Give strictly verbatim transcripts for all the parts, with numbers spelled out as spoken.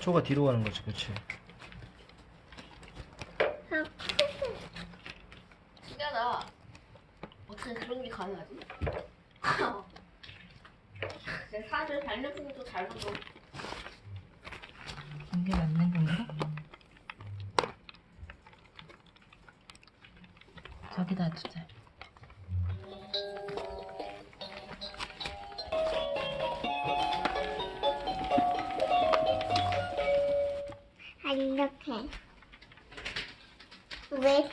초가 뒤로 가는 거지, 그렇지? 신기하다. 어떻게 그런 게 가능하지? 내 사실 발명품도 잘 만들어. 이게 맞는 건가? 저기다 두자. 아, 이렇게. 왜?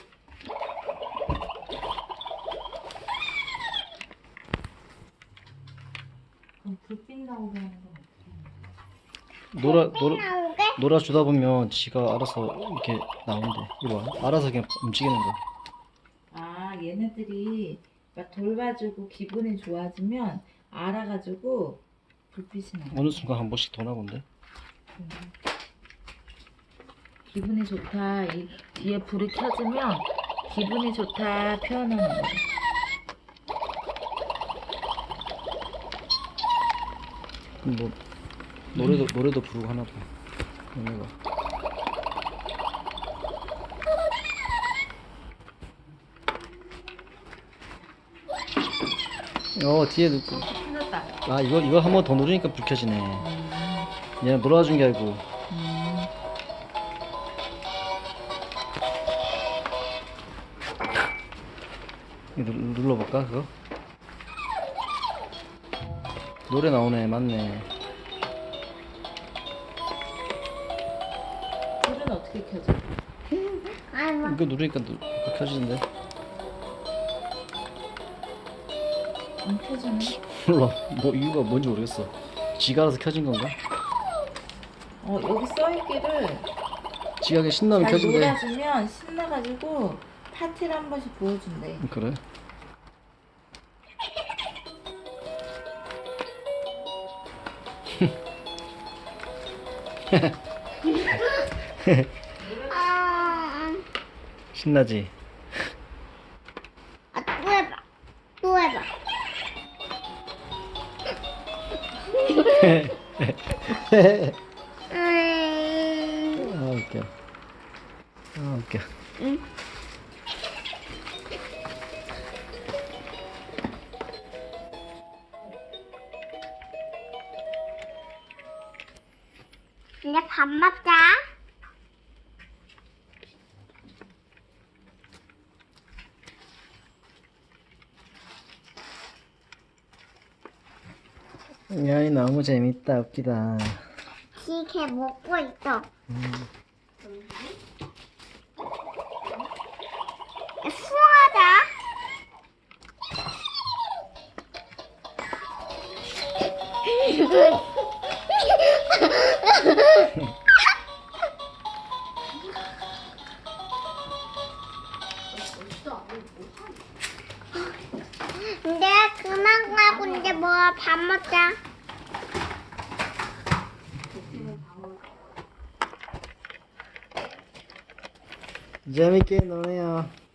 그럼 불빛 나오게 하는 건 어떻게? 놀아, 놀아, 나오게? 놀아주다 보면 지가 알아서 이렇게 나온대. 이거 봐. 알아서 그냥 움직이는 거야. 아, 얘네들이 막 돌봐주고 기분이 좋아지면 알아가지고 불빛이 나. 어느 순간 한 번씩 도나 본데. 음. 기분이 좋다. 이 뒤에 불이 켜지면 기분이 좋다 표현하는 거야. 그럼 뭐 노래도 노래도 부르고 하나 봐. 얘네가. 어 뒤에 누- 켜졌다. 아 이거 이거 한 번 더 누르니까 불 켜지네. 음, 얘는 놀아준 게 아니고. 음. 이거 누- 눌러볼까 그거? 노래 나오네. 맞네. 불은 어떻게 켜져? 아, 뭐. 이거 누르니까 누, 이거 켜지는데. 안 켜지네. 몰라. 뭐 이유가 뭔지 모르겠어. 지가 알아서 켜진 건가? 어, 여기 써있기를 지가 그냥 신나면 잘 켜진대. 놀아주면 신나가지고 파티를 한 번씩 보여준대. 그래? 아, 신나지? 아, 또 해봐. 또 해봐. 음, 아 웃겨. 아 웃겨. 응. 이제 밥 먹자. 야이 너무 재밌다. 웃기다. 지게 먹고 있어. 음. 수하자. 이제 그만 가고 이제 뭐 밥 먹자. 재밌게 노네요.